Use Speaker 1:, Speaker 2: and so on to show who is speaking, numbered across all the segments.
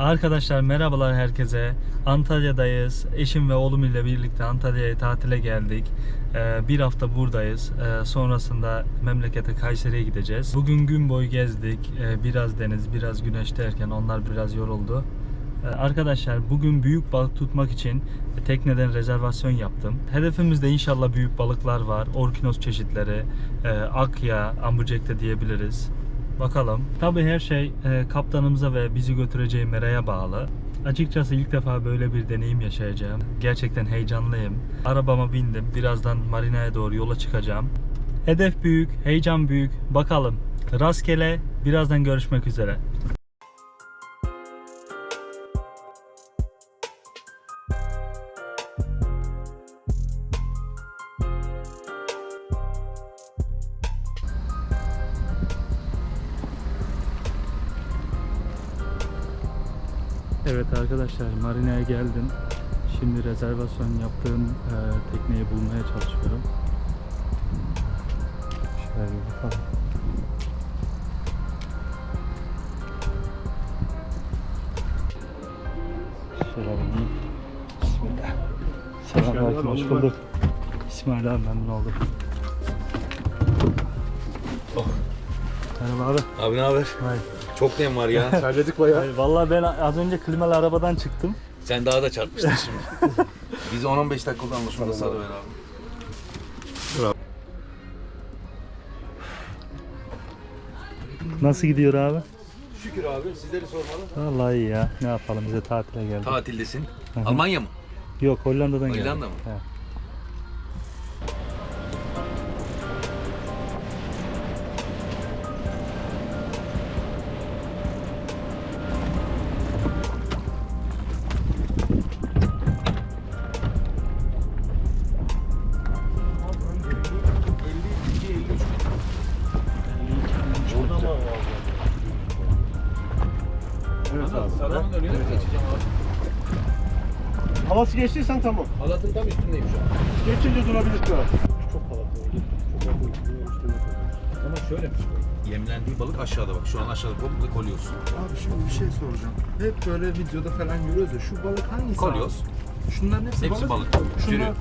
Speaker 1: Arkadaşlar merhabalar herkese. Antalya'dayız. Eşim ve oğlum ile birlikte Antalya'ya tatile geldik. Bir hafta buradayız. Sonrasında memlekete Kayseri'ye gideceğiz. Bugün gün boyu gezdik. Biraz deniz, biraz güneş derken onlar biraz yoruldu. Arkadaşlar bugün büyük balık tutmak için tekneden rezervasyon yaptım. Hedefimizde inşallah büyük balıklar var. Orkinos çeşitleri, akya, amberjack diyebiliriz. Bakalım. Tabii her şey kaptanımıza ve bizi götüreceği meraya bağlı. Açıkçası ilk defa böyle bir deneyim yaşayacağım. Gerçekten heyecanlıyım. Arabama bindim. Birazdan marinaya doğru yola çıkacağım. Hedef büyük, heyecan büyük. Bakalım. Rastgele. Birazdan görüşmek üzere. Evet arkadaşlar, marinaya geldim. Şimdi rezervasyon yaptığım tekneyi bulmaya çalışıyorum. Şöyle bir bakalım. Şöyle bir bismillah. Selamünaleyküm, hoş bulduk. İsmail abi, memnun oldum.
Speaker 2: Oh.
Speaker 1: Merhaba abi.
Speaker 2: Abi ne haber?
Speaker 1: Hayır.
Speaker 2: Çok nem var ya. Terledik bayağı.
Speaker 1: Vallahi ben az önce klimalı arabadan çıktım.
Speaker 2: Sen daha da çarpmıştın şimdi. Biz 10-15 dakikada anlaşmada sağlıver abi.
Speaker 1: Nasıl gidiyor abi?
Speaker 2: Şükür abi, sizleri sormalı.
Speaker 1: Vallahi iyi ya. Ne yapalım, bize tatile geldik.
Speaker 2: Tatildesin.
Speaker 1: Hı hı.
Speaker 2: Almanya mı?
Speaker 1: Yok, Hollanda'dan geldik.
Speaker 2: Hollanda mı?
Speaker 1: He.
Speaker 3: Evet abi.
Speaker 2: Salonun önüne mi geçeceğim abi?
Speaker 3: Havası geçtiysen tamam.
Speaker 2: Halatın tam üstündeyim şu an.
Speaker 3: Geçince durabilir şu an. Çok halatlı oldu. Çok yakın. Üstüne
Speaker 2: Ama şöyle yemlendiği balık aşağıda bak. Şu an aşağıda komple kolyoz.
Speaker 4: Abi şimdi bir şey soracağım. Hep böyle videoda falan görüyoruz ya, şu balık hangisi?
Speaker 2: Kolyoz.
Speaker 4: Abi? Şunların hepsi
Speaker 2: Hepsi balık.
Speaker 4: Şunlar...
Speaker 2: Sürü.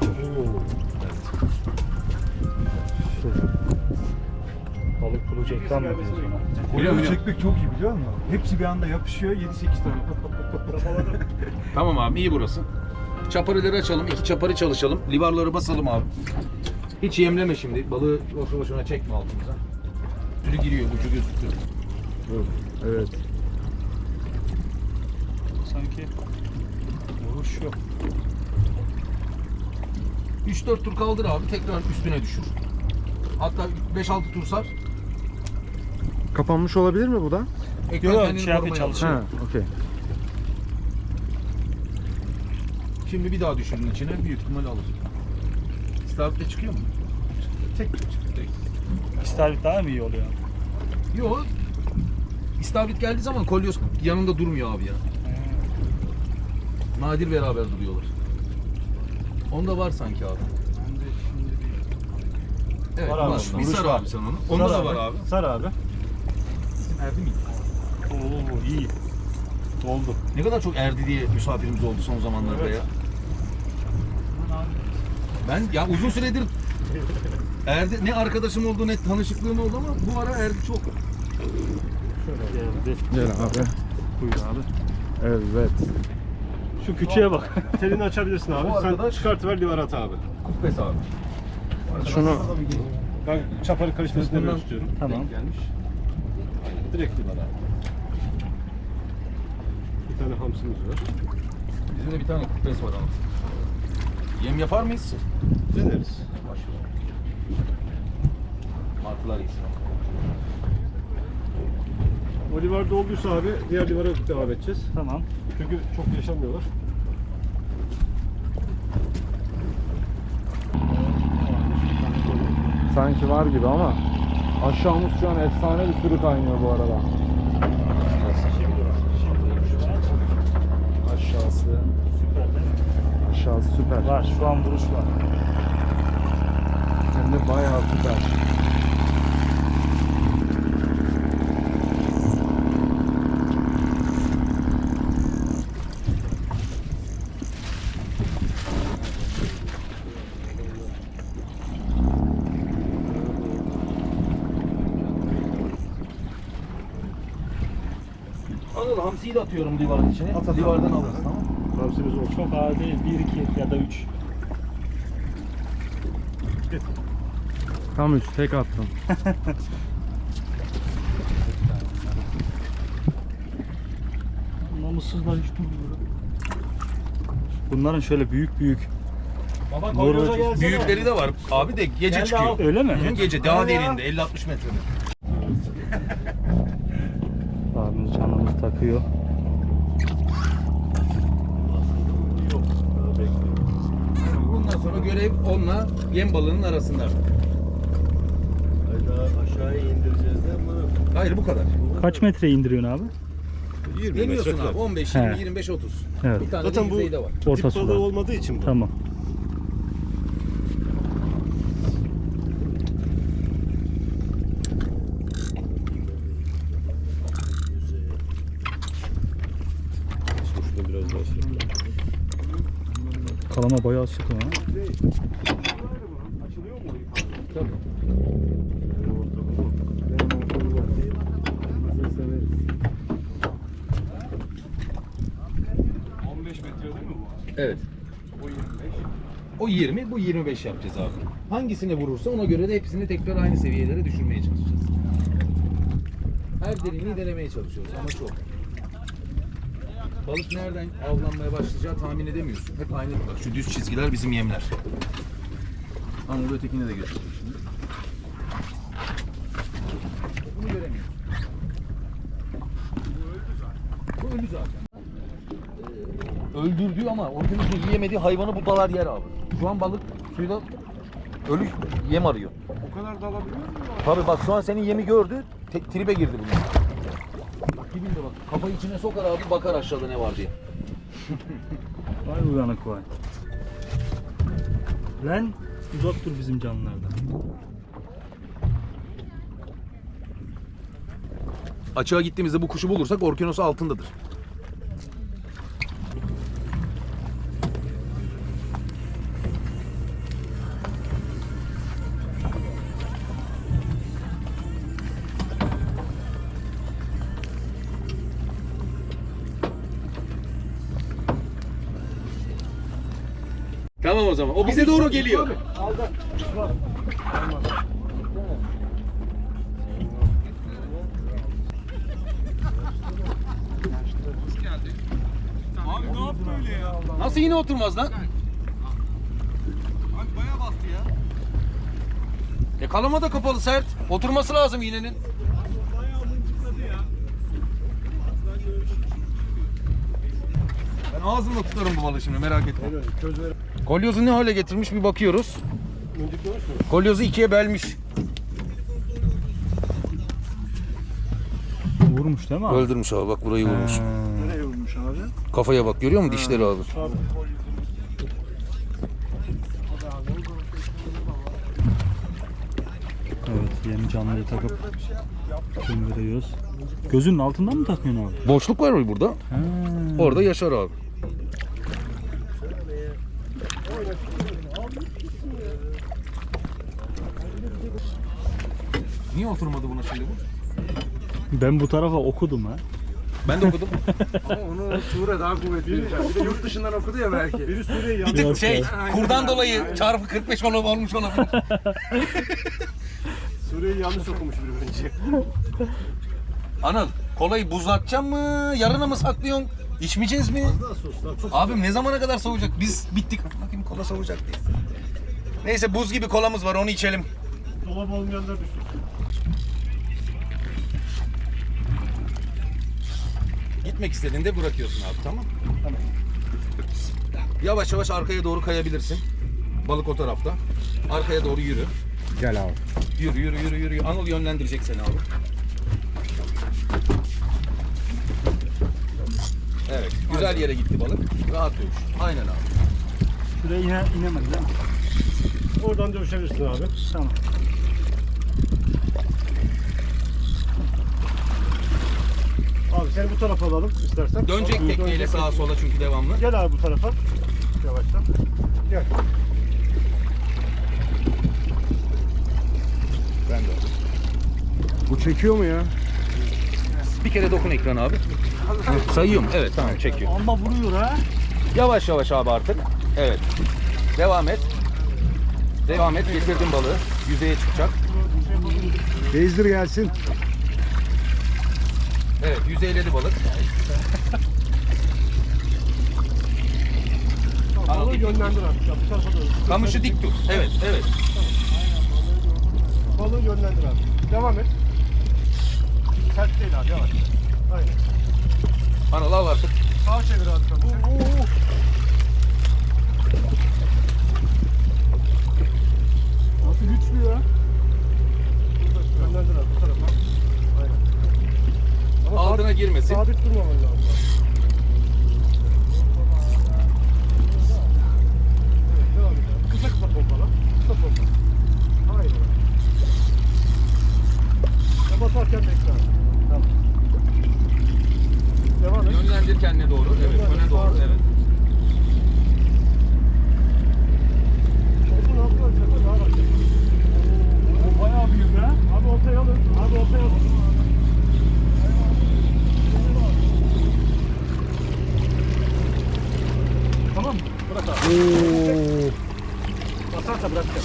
Speaker 1: Balık bulacaktan mı diyorsun?
Speaker 2: Biliyor musun?
Speaker 4: çekmek çok iyi, biliyor musun? Hepsi bir anda yapışıyor, 7-8 tane.
Speaker 2: Tamam abi, iyi burası. Çaparileri açalım, 2 çapari çalışalım. Livarları basalım abi. Hiç yemleme şimdi. Balığı boşu boşuna çekme altımıza. Sürü giriyor, ucu gözüküyor.
Speaker 4: Evet.
Speaker 1: Sanki vuruş yok.
Speaker 2: 3-4 tur kaldır abi, tekrar üstüne düşür. Hatta 5-6 tur sar.
Speaker 4: Kapanmış olabilir mi bu da?
Speaker 2: Ekran
Speaker 1: Yok,
Speaker 2: kendini
Speaker 1: şey yapıyor,
Speaker 2: korumaya
Speaker 1: çalışıyor.
Speaker 2: alır.
Speaker 4: okey.
Speaker 2: Şimdi bir daha düşürün içine, büyük ihtimal alır. İstavritle çıkıyor mu? Tek.
Speaker 1: İstavrit daha mı iyi oluyor?
Speaker 2: Yok. İstavrit geldiği zaman kolyoz yanında durmuyor abi ya. Nadir beraber duruyorlar. Onda var sanki abi. Evet,
Speaker 1: Var abi,
Speaker 2: var.
Speaker 1: onda.
Speaker 2: Bir sar abi sen onu. Onda da var abi.
Speaker 1: Sar abi.
Speaker 2: Erdi mi?
Speaker 1: Oo, iyi. Doldu.
Speaker 2: Ne kadar çok erdi diye misafirimiz oldu son zamanlarda
Speaker 1: Evet.
Speaker 2: ya. Ben ya uzun süredir erdi, ne arkadaşım oldu ne tanışıklığım oldu ama bu ara erdi çok.
Speaker 1: Geldi.
Speaker 4: Gel abi.
Speaker 1: Buyur abi.
Speaker 4: Evet.
Speaker 1: Şu küçüğe bak.
Speaker 3: Telini açabilirsin abi.
Speaker 2: Bu
Speaker 3: Sen
Speaker 2: arkadaş-
Speaker 3: çıkartıver livar at abi.
Speaker 2: Kupes abi.
Speaker 4: Şunu
Speaker 3: Ben çaparı karışmasını
Speaker 2: Bundan-
Speaker 3: böyle istiyorum.
Speaker 1: Tamam.
Speaker 2: Gelmiş.
Speaker 3: Direkt livar abi. Bir tane hamsimiz var.
Speaker 2: Bizim de bir tane kupes var ama. Yem yapar mıyız?
Speaker 3: Deneriz.
Speaker 2: Başlayalım. Martılar iyisin.
Speaker 3: O livar dolduysa abi diğer livara devam edeceğiz.
Speaker 1: Tamam.
Speaker 3: Çünkü çok yaşamıyorlar.
Speaker 4: sanki var gibi ama aşağımız şu an efsane bir sürü kaynıyor bu arada. Aşağısı.
Speaker 1: Süper değil mi?
Speaker 4: Aşağısı süper.
Speaker 1: Var, şu an vuruş var.
Speaker 4: Hem de bayağı süper.
Speaker 2: Anıl hamsiyi de atıyorum livarın içine.
Speaker 3: At.
Speaker 2: Livardan alırız, tamam mı?
Speaker 3: Hamsimiz olsun.
Speaker 1: Çok ağır değil. 1, 2 ya da 3.
Speaker 4: Tam 3 tek attım.
Speaker 1: Namussuzlar hiç durmuyor. Bunların şöyle büyük büyük.
Speaker 3: Baba
Speaker 1: kolyoza
Speaker 3: gelsene.
Speaker 2: Büyükleri de var. Abi de gece
Speaker 3: Gel de
Speaker 2: çıkıyor.
Speaker 3: al.
Speaker 1: Öyle mi?
Speaker 2: Hı, gece daha
Speaker 3: Hadi ya.
Speaker 2: derinde 50-60 metrede.
Speaker 1: Abimiz canımız takıyor.
Speaker 2: Bundan sonra görev onunla yem balığının arasında.
Speaker 3: Hayda aşağıya indireceğiz de bunu.
Speaker 2: Hayır bu kadar.
Speaker 1: Kaç metre indiriyorsun abi?
Speaker 3: 20
Speaker 2: Demiyorsun
Speaker 3: metre.
Speaker 2: abi 15,
Speaker 1: He.
Speaker 2: 20, 25, 30.
Speaker 1: Evet.
Speaker 2: Bir tane
Speaker 3: Zaten
Speaker 2: de
Speaker 3: bu
Speaker 2: yüzeyde var.
Speaker 1: Orta
Speaker 3: dip
Speaker 1: suda.
Speaker 3: balığı olmadığı için bu.
Speaker 1: Tamam.
Speaker 3: Şurada biraz daha şey.
Speaker 1: Kalama bayağı sık ha.
Speaker 3: Açılıyor mu?
Speaker 2: Tabii. Evet. O 20, bu 25 yapacağız abi. Hangisine vurursa ona göre de hepsini tekrar aynı seviyelere düşürmeye çalışacağız. Her derinliği denemeye çalışıyoruz ama çok. Balık nereden avlanmaya başlayacağı tahmin edemiyorsun. Hep aynı. Bak şu düz çizgiler bizim yemler. Anadolu ötekine de götürdüm şimdi. Bunu göremiyorsun. Bu öldü zaten. Öldürdüğü ama organizmin yiyemediği hayvanı bu dalar yer abi. Şu an balık suyla ölü yem arıyor.
Speaker 3: O kadar da alabiliyor mu?
Speaker 2: Tabii bak şu an senin yemi gördü, tribe girdi bunun. Dibinde bak, kafayı içine sokar abi, bakar aşağıda ne var diye.
Speaker 1: Vay uyanık vay. Lan uzak dur bizim canlılardan.
Speaker 2: Açığa gittiğimizde bu kuşu bulursak orkinosu altındadır. Tamam o zaman. O bize doğru geliyor.
Speaker 3: Aldı.
Speaker 2: Nasıl yine oturmaz lan?
Speaker 3: Abi bayağı bastı ya.
Speaker 2: Kalama da kapalı sert. Oturması lazım iğnenin.
Speaker 3: Bayağı mıncıkladı ya.
Speaker 2: Ben ağzımla tutarım bu balığı şimdi, merak etme.
Speaker 3: Öyle köz ver.
Speaker 2: Kolyozu ne hale getirmiş bir bakıyoruz.
Speaker 3: Mıncıklamış mı?
Speaker 2: Kolyozu ikiye bölmüş.
Speaker 1: Vurmuş değil mi abi?
Speaker 2: Öldürmüş abi, bak burayı vurmuş.
Speaker 3: Nereye vurmuş abi?
Speaker 2: Kafaya bak, görüyor musun dişleri abi?
Speaker 3: Abi.
Speaker 1: Evet, yeni canlıyı takıp gönderiyoruz. Gözünün altından mı takıyorsun abi?
Speaker 2: Boşluk var mı burada?
Speaker 1: Ha.
Speaker 2: Orada yaşar abi. Niye oturmadı buna şimdi bu?
Speaker 1: Ben bu tarafa okudum ha.
Speaker 2: Ben de okudum.
Speaker 3: Ama onu Sure daha kuvvetli. Bir de yurt dışından okudu ya belki. Biri Sure'yi
Speaker 2: Bir
Speaker 3: yanlış.
Speaker 2: tık
Speaker 1: Yok
Speaker 2: şey,
Speaker 1: ya.
Speaker 2: kurdan dolayı çarpı 45 olmuş olabilir.
Speaker 3: Sure'yi yanlış okumuş biri bence.
Speaker 2: Anıl, kolayı buzlatacağım mı? Yarına mı saklıyorsun? İçmeyeceğiz mi?
Speaker 3: Daha soslar çok
Speaker 2: Abim ne zamana kadar soğuyacak? Biz bittik. Bakayım kola soğuyacak değil. Neyse buz gibi kolamız var, onu içelim.
Speaker 3: dolap olmayanlar düşün.
Speaker 2: Gitmek istediğinde bırakıyorsun abi, tamam? Tamam. Yavaş yavaş arkaya doğru kayabilirsin. Balık o tarafta. Arkaya doğru yürü.
Speaker 4: Gel abi.
Speaker 2: Yürü yürü yürü yürü. Anıl yönlendirecek seni abi. Evet. Güzel yere gitti balık. Rahat dövüş. Aynen abi.
Speaker 1: Şuraya inemedi değil mi?
Speaker 3: Oradan dövüşebilirsin abi.
Speaker 1: Tamam.
Speaker 3: Abi seni bu tarafa alalım istersen.
Speaker 2: Dönecek
Speaker 3: Abi,
Speaker 2: tekneyle
Speaker 3: dönecek
Speaker 2: sağa sola çünkü devamlı.
Speaker 3: Gel abi bu tarafa. Yavaştan. Gel.
Speaker 4: Bu çekiyor mu ya?
Speaker 2: Bir kere dokun ekrana abi. Sayıyor mu? Evet tamam çekiyor.
Speaker 1: Ama vuruyor ha.
Speaker 2: Yavaş yavaş abi artık. Evet. Devam et. Devam et. Getirdim balığı. Yüzeye çıkacak.
Speaker 3: Gezdir gelsin.
Speaker 2: Evet yüzeyledi balık.
Speaker 3: Balığı yönlendir artık. Bu tarafa doğru.
Speaker 2: Kamışı dik tut. Evet evet.
Speaker 3: Balığı yönlendir artık. Devam et. Sert değil abi yavaş. Aynen.
Speaker 2: Anıl al artık.
Speaker 3: Sağa çevir abi. Nasıl güçlü ya? Yönlendir abi bu tarafa. Aynen. Ama
Speaker 2: Altına girmesin.
Speaker 3: sabit durmaman lazım. Evet, devam et abi. Kısa kısa pompala. Kısa pompala. Aynen. Ya basarken bekle abi. Tamam. Devam et.
Speaker 2: Yönlendir kendine doğru. Evet öne doğru. Evet.
Speaker 3: Oldu, ne yapıyorsun? Daha bak. O bayağı büyük ha. Abi ortaya alın. Abi ortaya alın. Tamam mı? Bırak abi. Basarsa bırakacağım.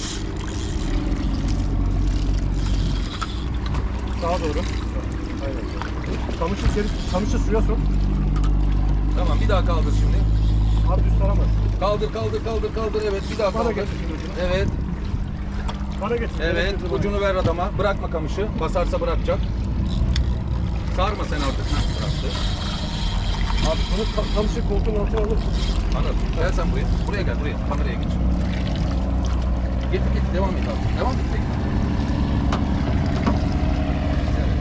Speaker 3: Sağa doğru. Aynen. Kamışı suya sok.
Speaker 2: Tamam bir daha kaldır şimdi.
Speaker 3: Abi düz saramaz.
Speaker 2: Kaldır kaldır kaldır kaldır. Evet bir daha
Speaker 3: Bana
Speaker 2: kaldır.
Speaker 3: getir şimdi ucunu.
Speaker 2: Evet.
Speaker 3: Bana getir.
Speaker 2: Evet ucunu ver adama. Bırakma kamışı. Basarsa bırakacak. Sarma sen artık. Heh, bıraktı.
Speaker 3: Abi bunu kamışı koltuğun altına alırsın.
Speaker 2: Anladım. Gel sen buraya. Buraya gel buraya. Kameraya geç. Getir getir devam et abi. Devam et. Bekle. Evet.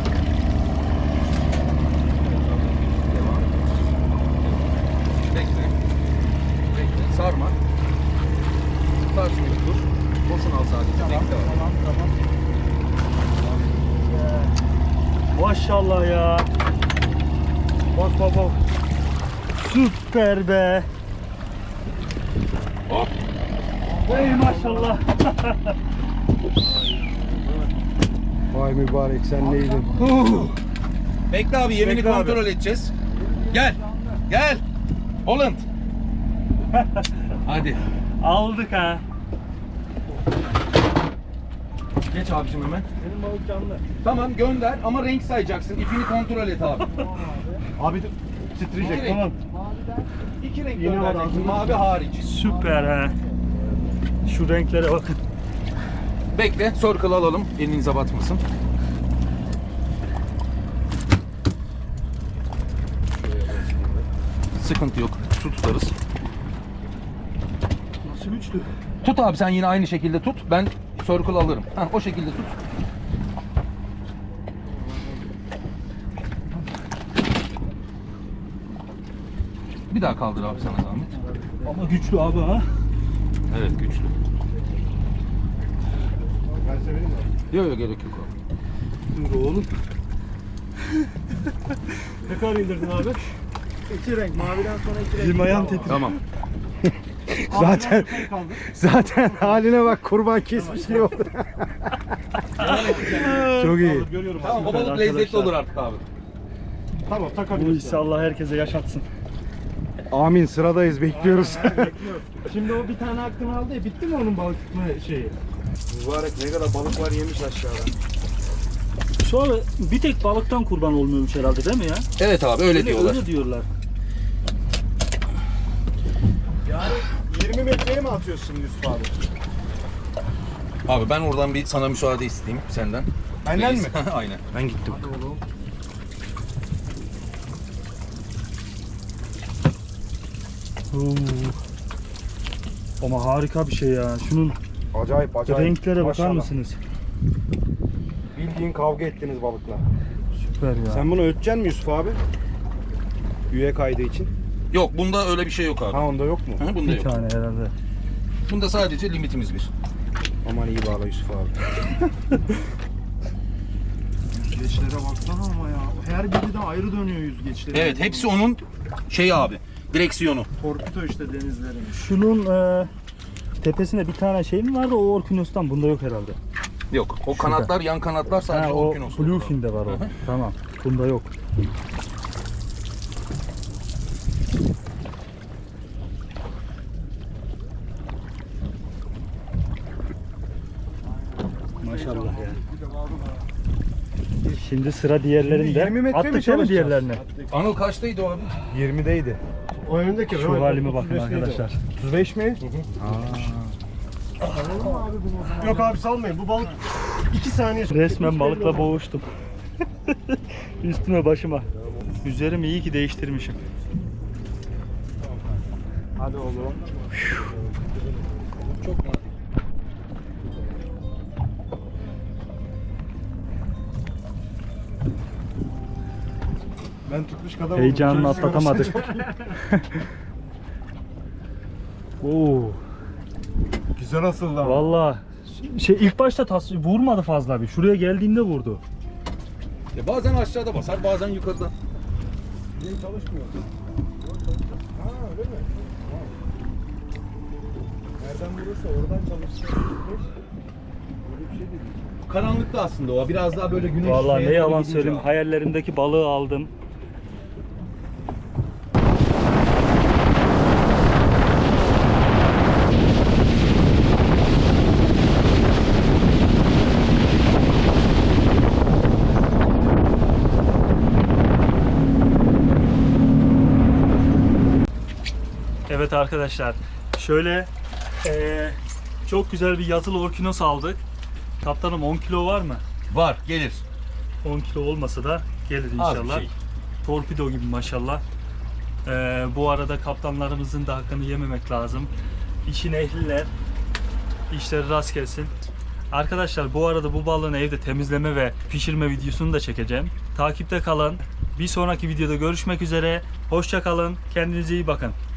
Speaker 2: Devam. Bekle. Bekle. Sarma. Sar şimdi dur. Boşuna al sadece. Bekle.
Speaker 1: Tamam. Maşallah ya. Bak bak bak. Süper be.
Speaker 2: Hop.
Speaker 1: Ey maşallah.
Speaker 3: Vay mübarek sen neydin?
Speaker 2: Bekle abi yemini
Speaker 3: Bekle abi.
Speaker 2: kontrol edeceğiz. Gel. Gel. Holland. Hadi.
Speaker 1: Aldık ha.
Speaker 2: Geç abicim hemen.
Speaker 3: Benim balık canlı.
Speaker 2: Tamam gönder ama renk sayacaksın. İpini kontrol et abi.
Speaker 3: Abi titreyecek.
Speaker 2: Tamam. İki renk göndereceksin. Mavi hariç.
Speaker 1: Süper ha. Şu renklere bakın.
Speaker 2: Bekle. Circle alalım. Elinize batmasın. Sıkıntı yok. Su tutarız.
Speaker 3: Nasıl güçlü?
Speaker 2: Tut abi sen yine aynı şekilde tut. Ben circle alırım. Heh, o şekilde tut. Bir daha kaldır abi sana zahmet.
Speaker 1: Ama güçlü abi ha.
Speaker 2: Evet güçlü.
Speaker 3: Ben severim abi.
Speaker 2: Yok yok gerek yok abi.
Speaker 3: Dur oğlum. Ne kadar indirdin abi? İki renk. Maviden sonra iki renk.
Speaker 1: Elim ayağım titriyor.
Speaker 2: Tamam.
Speaker 3: Zaten haline bak kurban kesmiş gibi oldu. Çok iyi.
Speaker 1: Görüyorum
Speaker 2: Tamam o
Speaker 1: Süper
Speaker 2: balık lezzetli
Speaker 1: arkadaşlar.
Speaker 2: olur artık abi.
Speaker 3: Tamam
Speaker 1: Bu
Speaker 3: takabiliriz.
Speaker 1: işi Allah herkese yaşatsın.
Speaker 3: Amin sıradayız bekliyoruz. Şimdi o bir tane hakkını aldı ya bitti mi onun balık tutma şeyi? Mübarek ne kadar balık var yemiş aşağıda.
Speaker 1: Sonra bir tek balıktan kurban olmuyormuş herhalde değil mi ya?
Speaker 2: Evet abi öyle diyorlar.
Speaker 1: Öyle diyorlar.
Speaker 3: Yani 20 metreye mi atıyorsun şimdi Yusuf abi?
Speaker 2: Abi ben oradan bir sana müsaade isteyeyim senden.
Speaker 3: Benden
Speaker 2: Reis.
Speaker 3: mi?
Speaker 2: Aynen.
Speaker 3: Ben gittim.
Speaker 1: Oo. Ama harika bir şey ya. Şunun
Speaker 3: Acayip acayip.
Speaker 1: renklere bakar
Speaker 3: Maşallah.
Speaker 1: mısınız?
Speaker 3: Bildiğin kavga ettiniz balıkla.
Speaker 1: Süper ya.
Speaker 3: Sen bunu öteceksin mi Yusuf abi? Üye kaydı için.
Speaker 2: Yok bunda öyle bir şey yok abi.
Speaker 3: Ha onda yok mu?
Speaker 2: Hı, bunda
Speaker 1: bir
Speaker 2: yok.
Speaker 1: tane herhalde.
Speaker 2: Bunda sadece limitimiz bir.
Speaker 3: Aman iyi bağla Yusuf abi. Yüzgeçlere baksana ama ya. Her biri de ayrı dönüyor yüzgeçleri.
Speaker 2: Evet hepsi onun şey abi. Direksiyonu.
Speaker 3: Torpido işte denizlerin.
Speaker 1: Şunun tepesinde bir tane şey mi vardı o Orkinos'tan? Bunda yok herhalde.
Speaker 2: Yok. O
Speaker 1: Şurada.
Speaker 2: kanatlar yan kanatlar sadece
Speaker 1: Ha, o
Speaker 2: Orkinos'ta.
Speaker 1: Bluefin'de var o.
Speaker 2: Hı hı.
Speaker 1: Tamam. Bunda yok. Maşallah ya. Şimdi sıra diğerlerinde.
Speaker 3: 20 metre mi
Speaker 1: Attık değil mi
Speaker 3: çalışacağız?
Speaker 1: diğerlerine?
Speaker 2: Anıl kaçtaydı o abi?
Speaker 3: 20'deydi. O önündeki
Speaker 1: Şu halime bakın arkadaşlar.
Speaker 3: 35 mi? Yok abi salmayın. Bu balık 2 saniye.
Speaker 1: Resmen balıkla boğuştum. Üstüme başıma. Üzerimi iyi ki değiştirmişim.
Speaker 3: Hadi oğlum.
Speaker 2: Çok nadir.
Speaker 3: Ben tutmuş kadar
Speaker 1: Heyecanını atlatamadık. Oo,
Speaker 3: Güzel asıldı ama.
Speaker 1: vallahi ilk başta vurmadı fazla bir. Şuraya geldiğinde vurdu.
Speaker 2: Ya bazen aşağıda basar, bazen yukarıda.
Speaker 3: Benim çalışmıyor. Ha öyle mi? Nereden vurursa oradan çalışacak. Böyle bir şey değil.
Speaker 2: Karanlıkta aslında o. Biraz daha böyle güneş.
Speaker 1: Vallahi ne
Speaker 2: şeye doğru
Speaker 1: yalan
Speaker 2: gidince
Speaker 1: söyleyeyim,
Speaker 2: abi.
Speaker 1: hayallerimdeki balığı aldım. Evet arkadaşlar, şöyle çok güzel bir yazılı orkinos aldık. Kaptanım 10 kilo var mı?
Speaker 2: Var, gelir.
Speaker 1: 10 kilo olmasa da gelir
Speaker 2: Az bir
Speaker 1: inşallah.
Speaker 2: şey.
Speaker 1: Torpido gibi maşallah. Bu arada kaptanlarımızın da hakkını yememek lazım. İşin ehliler. İşleri rast gelsin. Arkadaşlar bu arada bu balığın evde temizleme ve pişirme videosunu da çekeceğim. Takipte kalın. Bir sonraki videoda görüşmek üzere. Hoşça kalın. Kendinize iyi bakın.